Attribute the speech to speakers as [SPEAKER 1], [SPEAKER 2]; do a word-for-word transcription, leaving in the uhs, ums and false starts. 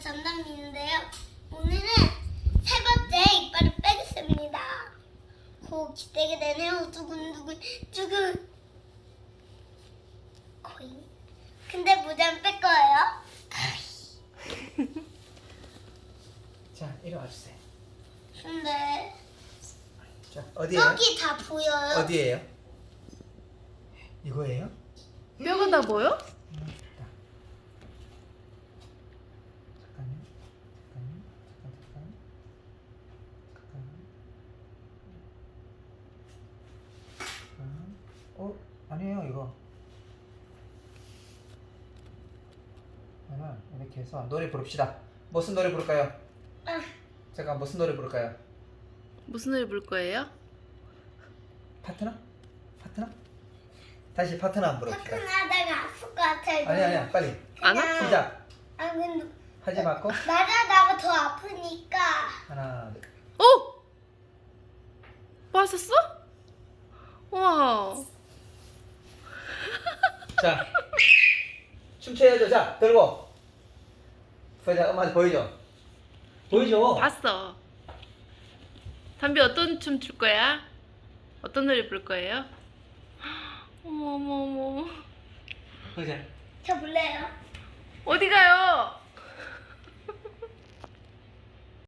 [SPEAKER 1] 전담인데요. 오늘은 세 번째 이빨을 빼겠습니다. 고 기대게 되네요. 두근두근 두근. 코인. 근데 모자는 뺄 거예요.
[SPEAKER 2] 자, 이리 와주세요.
[SPEAKER 1] 근데
[SPEAKER 2] 자, 어디에요?
[SPEAKER 1] 여기 다 보여요.
[SPEAKER 2] 어디에요? 이거예요?
[SPEAKER 3] 뼈가 다 보여?
[SPEAKER 2] 음, 자. 잠깐요. 잠깐요. 잠깐, 잠깐. 잠깐. 잠깐. 어? 아니에요, 이거. 그러면 이렇게 해서 노래 부릅시다. 무슨 노래 부를까요?
[SPEAKER 1] 아,
[SPEAKER 2] 잠깐, 무슨 노래 부를까요?
[SPEAKER 3] 무슨 노래 부를 거예요?
[SPEAKER 2] 파트너? 파트너? 다시 파트너 한번 부릅시다.
[SPEAKER 1] 화끈하다가 아플 것 같아요.
[SPEAKER 2] 아니, 아니야, 빨리.
[SPEAKER 3] 안
[SPEAKER 1] 그냥-
[SPEAKER 3] 아파?
[SPEAKER 2] 시작.
[SPEAKER 1] 아 근데
[SPEAKER 2] 하지 말고.
[SPEAKER 1] 말하다가 더 아프니까.
[SPEAKER 2] 하나, 둘.
[SPEAKER 3] 어? 봤었어? 와.
[SPEAKER 2] 자, 춤춰야죠. 자, 들고. 보자, 엄마한테 보여줘. 보여줘.
[SPEAKER 3] 봤어. 담비 어떤 춤 출 거야? 어떤 노래 부를 거예요? 어머 어머 어머.
[SPEAKER 2] 보자.
[SPEAKER 1] 저 볼래요?
[SPEAKER 3] 어디 가요?